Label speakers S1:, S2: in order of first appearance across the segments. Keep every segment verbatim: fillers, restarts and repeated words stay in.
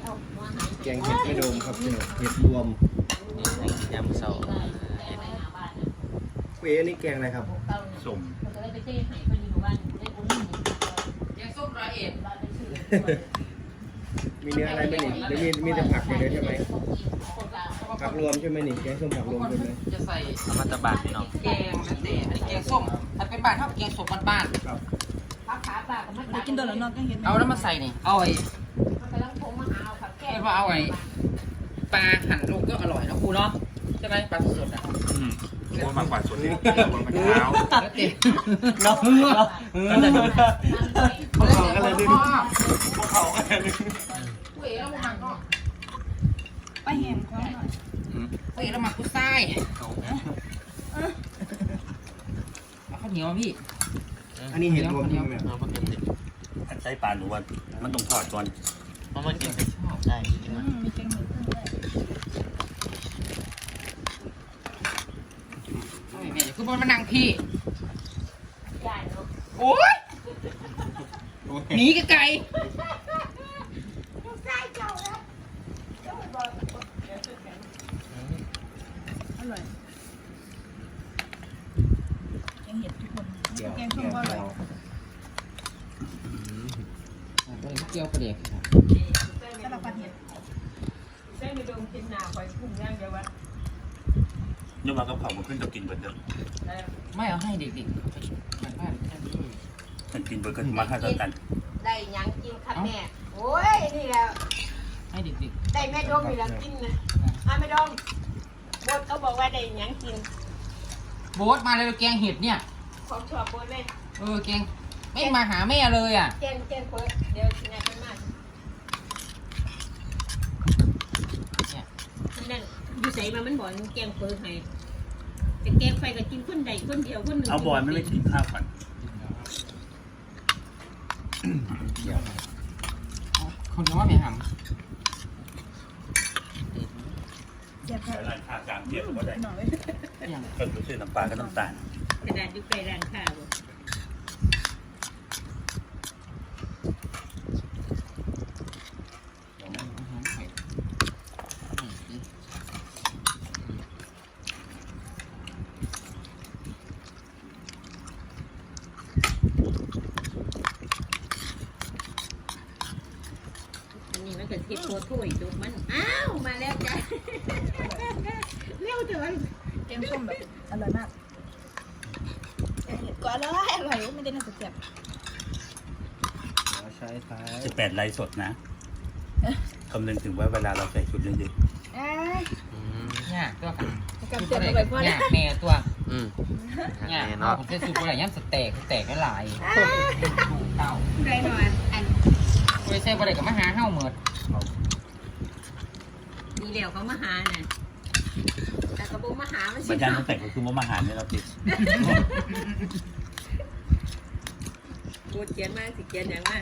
S1: แกงเห็ดไม่โดมครับพี่น้องเห็ดรวม
S2: ยำเสา
S1: เว้ยนี่แกงอะไรครับ
S2: ส้มแกงส้มร้อยเอ็ด
S1: มีเนื้ออะไรไหมนี่หรือมีมีแต่ผักอย่างเดียวใช่ไหมผักรวมใช่ไหมนี่แกงส้มผักรวมใช่ไหม
S2: จะใส่อมตะบานพี่น้องแกงนั่นเองอันนี้แกงส้มถ้าเป็นบ้านเท่าแกงส้มบ้านๆ
S1: ครับ
S3: กินตัวแล้วนอกก็เห็น
S2: เอาแล้วมาใส่นี่เอาไอ้ว่าเอาไอ้ปลาหั่นลูกก็อร่อยนะครูเนาะใช่ไหมปลาสดอ่ะ
S4: อืมโอ้มากกว่าส่วนนี้บนมะพร้าว
S1: เราเฮือเฮือกันเลยพวกเขากันเลยดิพวกเขากันเลย
S3: ไปแหมเขาหน่อย
S2: เฮ้ยแล้วมากุ้งไส้เอาข้าวเหนียวพี่
S1: อันนี้เห็ดรวมใช่ไหม
S4: อันใช้ปลาหนูว่ามันต้องทอดก่อน
S2: เพราะมันกินไปชอบได้
S3: มีแกงหมูขึ้นด้วย
S2: แม่คือบนมานั่งพี่โอ้ยหนีไกล
S3: อร่อยแกงเห็ดทุกคนแกงส้มก็อร่อย
S2: เกี่ยวประเดี๋ยว
S3: สลับปันเห็ด
S5: เส้นในดงกินหนาคอยพุ่งย่างเดียววะ
S4: นึกว่ากับเขามันขึ้นจะกินเบอร์เดิม
S2: ไม่เอาให้เด็กๆมัน
S4: มันกินเบอร์เกินมาให้กัน
S5: ได้ยังกินค่ะแม่โอ้ยนี่แหละ
S2: ให้เด็ก
S5: ๆได้แม่ดมนี่แหละกินนะอ่ะแม่ดมบดเขาบอกว่าได้ยังกิน
S2: โบ๊ทมาเลยแกงเห็ดเนี่ย
S5: ของชอบบดเลย
S2: เออแกงไม่มาหาแม่เลยอ่ะ
S5: แกงแกงเปิดเดี๋ยวชิมให้มากนั่นอยู่ใส่มามันบอกแกงเปิดให้แต่แกงไฟก็กินคนใดคนเดียวคนหนึ่ง
S4: เอาบอลไม่ได้กินข้าวก่อน
S2: คนนี้ว่าไม่หำ
S3: เจ็บแผล
S4: ร้านข้าวกลางเทียบก็ได้
S3: หน่อย
S4: ก็คือซื้อน้ำปลากับน้ำตาล
S5: กระดาษยุบไปร้านข้าวนี่มันเกิดที่ตัวถ้วยจุกมันอ้าวมาแล้วจ้ะเร็วจัง
S3: แกงส้มแบบอร่อยมากแกงเห็ดก็อร่อยอร่อยไม่ได้น่าจะเจ็บ
S1: ใช้ท้าย
S4: สิบแปดไลฟ์สดนะคำนึงถึงว่าเวลาเราใส่ชุดเยอะ
S3: ๆ
S2: เนี่ยตัว
S3: กับเจ็บไปพอ
S2: เนี่
S3: ย
S2: แม่ตัวเนี่ยเนาะผมจะสูบอะไรย่ำสเต็กสเต็กไม่หลายเต้า
S5: ไรหน่อยอัน
S2: ไม่ใช่อะไรกับมหาเฮ้าเหมือด
S5: นี่เดี๋ยวเขามาหาน่ะแต่กระปุกมาหามัน
S4: บรรยากาศแต่ก็คือว่ามาหารเนี่ยเราติด
S5: กูเขียนมากสิเขียนอย่างมาก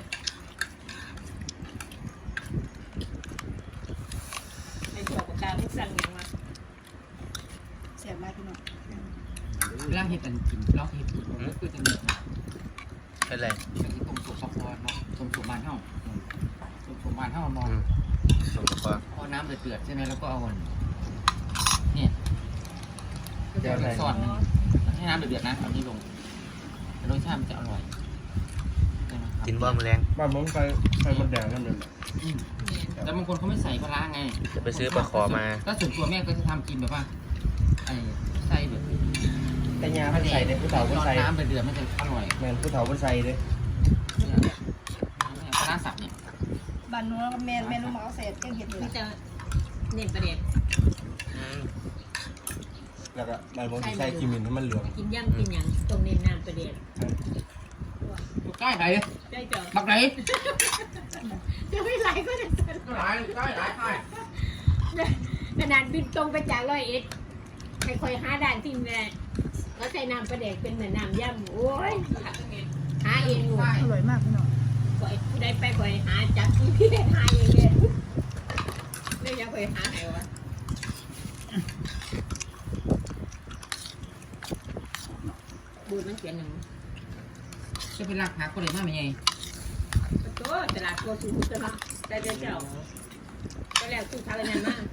S5: ในตัวปากกาไม่สั่งอย่างมา
S3: เสียบมากพี่น้อง
S2: ล่างเห็ดอันกินล่างเห็ดก็คือจะมีเป็นไรเป็นที่ตรงสุกสะพอนเนาะตรงสุกมันเท่าตรงสุกมันเท่ามอง
S1: ส่งก่อน
S2: เอาน้ำเดือดใช่ไหมแล้วก็เอาเนี่ยเดี๋ยวซอสให้น้ำเดือดนะเอานี้ลงรสชาติมันจะอร่อย
S1: กินบ้าแมลงบ้ามันไฟไฟมันแดงนั่นเอง
S2: แล้วบางคนเขาไม่ใส่ปลาไง
S1: จะไปซื้อปลาขอมา
S2: ถ้าส่วนตัวแม่ก็จะทำกินแบบว่าไอ้ใส่แบบ
S1: แต่ยาไม่ใส่เลยผู้เฒ่าไม่ใส่
S2: น้ำเดือดมันจะอร่อย
S1: แมนผู้เฒ่าไม่ใส่เลย
S2: ปลาสับเนี่ย
S3: บ้านนู้นแม่แม่ลูกหมาเสร็จแกงเห็ด
S5: นี่จะเน้นประเด็น
S1: แล้วก็มันบางทีใส่กิมมินให้มันเหลือง
S5: กินย่ำกินอย่างตรงเน้นน้ำประเด็น
S2: ใกล้ไหน
S5: ใกล้จอ
S2: บักไหน
S5: จะไม่ไหลก็จะ
S2: ไหลใกล้ไหลใกล้
S5: ขนาดบินตรงไปจากร้อยเอ็ดให้คอยหาด่านที่แม่แล้วใส่น้ำประเด็นเป็นเหมือนน้ำย่ำโอ้ยหาเองอยู่
S3: อร่อยมากพี่น้อง
S5: คอยได้ไปคอยหาจับที่พี่หาเองเลยไม่อยากคอยหาไหนวะบูดมันเขียนหนึ่ง
S2: จะเป็นรักหาคนเลยมากไหมไง
S5: ตัวตลาดตัวสูงตลาดได้เจ้าก็แล้วตู้ทานอะไรนั่นมาก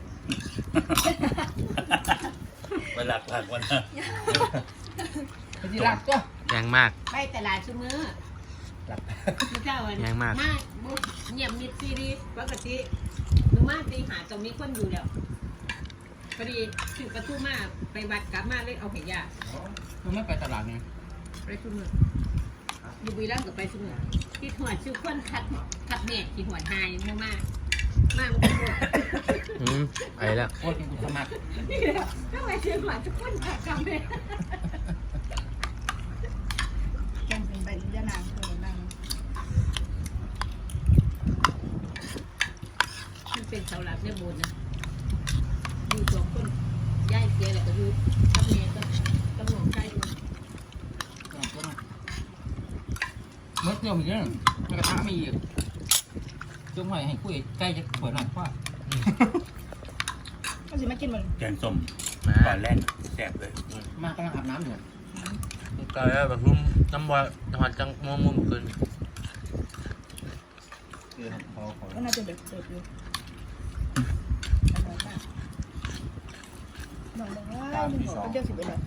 S4: เวลาหลักวันนะ
S2: ไปที่รักก็
S6: แรงมาก
S5: ไปตลาดชุมือ
S2: หลับ
S5: พี่เจ้าวัน
S6: แรงมาก
S5: มาบุเงียบมิดซีรีปกติหนูมาตีหาตรงนี้คนอยู่แล้วพอดีถึงประตูมาไปวัดกลับมาเลยเอาเหยา
S2: มันไม่ไปตลาดไง
S5: ไปชุมืออยู่บุรีรัมย์กับไปชุมือที่หัวชื่อคนคัดคัดแม่ที่หัวหายมากมากมากมันก็
S6: อืมไปแล้ว
S2: โอ้ยกินกุสมัคร
S5: นี่แหละทำไมชื่อหัวทุกคนคัดกำเลย
S3: แกงเป็นใบยะนางเคยนั่ง
S5: มันเป็นเสาหลักเนี่ยโบนนะอยู่สองคนย่ายเสียแหละก็อยู่กับแม่ก็กับหลวงชายอยู่
S2: เมื่อเดียวมีเรื่องกระทะมีอีกจงหอยให้คุยใกล้จะเปิดหน่อยว่า
S3: ก็สิมากินมัน
S4: แกงส้ม
S6: มา
S4: ปลาแล่นแซ่บเลย
S2: มากำลังอาบน้ำอยู่
S6: ก็แล้วแบบรุ่มน้ำบอลนอนจังมุมมุมคืน
S2: คือเขาเขา
S3: ก็น่าจะเด็กเด็กอยู่อร่อยมากหน่อยบอกว่าหนึ่งหัวเป็นเจ้าสิบเอ็ดเลย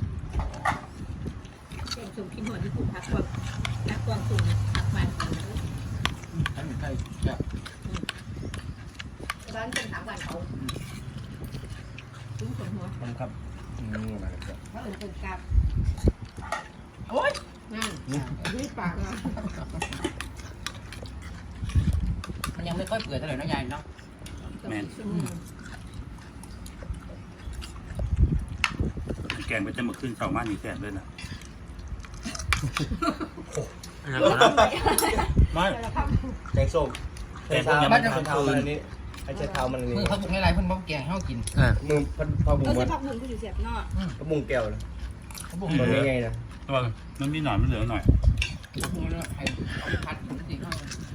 S5: เป็นสูงกินหัวที่ผูกพักกวางพักกวางสูงพักมัน
S2: ท่านใกล้แบบ
S5: ร้านเป็นสามวันเขาซุ้มขนหัว
S2: มันครับนี่นะครับ
S5: เพราะเออเป็นกาบ
S2: โอ๊ย
S5: นั่นด้วยปากอ่ะ
S2: มันยังไม่ค่อยเปื่อยเท่าไหร่นะยายเนาะ
S4: แกงไปจะมาขึ้นเสามานี่แซ่บเลยนะ
S6: อันนั้นก็แล้ว
S4: ไม่
S1: แกงส้ม
S4: แกงพวกนี้มันทำคืน
S1: ไอ้เจ้าเท้ามัน
S2: มื
S1: นี่
S2: อเขาบุกในไรเพิ่นบอกแกงให้เขากิน
S6: เออ
S1: มือพันพอบุ้
S3: เออง
S1: มั
S3: สิ
S1: น
S3: พักบุญก็อยู่เสียบนอก
S1: กระบุงแก้วเลย
S2: เขาบุก
S1: ตัว
S2: เล
S1: นี้
S2: ย
S1: ไงนะ
S4: ระวังมันมีหน่อยมันเหลือหน่อย
S2: เขาบุกเลยให้เขาพัดจริงๆเขา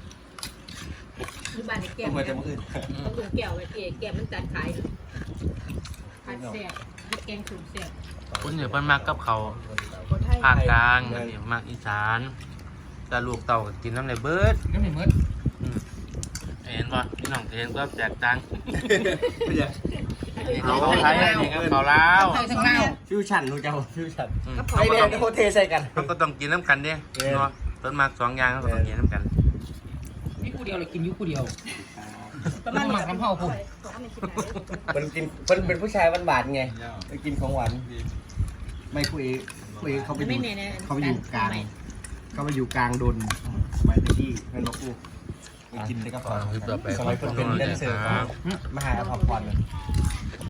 S5: คือบ้านไอ้แก้ว
S1: ทำไมจะมาขึ้น
S5: ต้องดูแก้วไอ้เก๋แก้วมันจัดขายผัดแซ่บแกงสูงแซ่บ
S6: คุณอยู่เพิ่นมากกับเขาว
S3: คนไทย
S6: ภาคกลางอันนี้มากอีสานแต่ลูกเต่าก็กินน้ำในเบิด
S2: ก็ไม่เหมือน
S6: อืมเห็นป่ะพี่น้องเห็นก็แตกต่าง
S1: ไม่ใช่
S6: อันนี้เขาไทยอันนี้เขาลาว
S2: ไทยทั้งเล่า
S1: ฟิวชั่นรู้จักฟิวชั่น
S6: อืม
S3: ก็พอ
S1: ไอเนี่ยโคเทใส่กัน
S6: เขาก็ต้องกินน้ำกันเด้เนาะต้นมากสองอย่างเขาก็ต้องกินน้ำกัน
S2: นี่คู่เดียวเลยกินยุคู่เดียว
S3: ประมาณ
S2: หมักน้ำเผาผม
S3: บอกว่าไม่คิดไหน
S1: มันกินมันเป็นผู้ชายหวานๆไงไปกินของหวานไม่คุยคุยเขาไป
S5: ไม่
S1: อยู่
S5: แน่นะ
S1: เขาไปอยู่กลางเขาไปอยู่กลางดนสมัยที่เงินนกอูไปกินได้ก็พอ
S6: ต่อไป
S1: สมัยคนเป็นแดนเซอร์
S6: ครับ
S1: มหาอภพร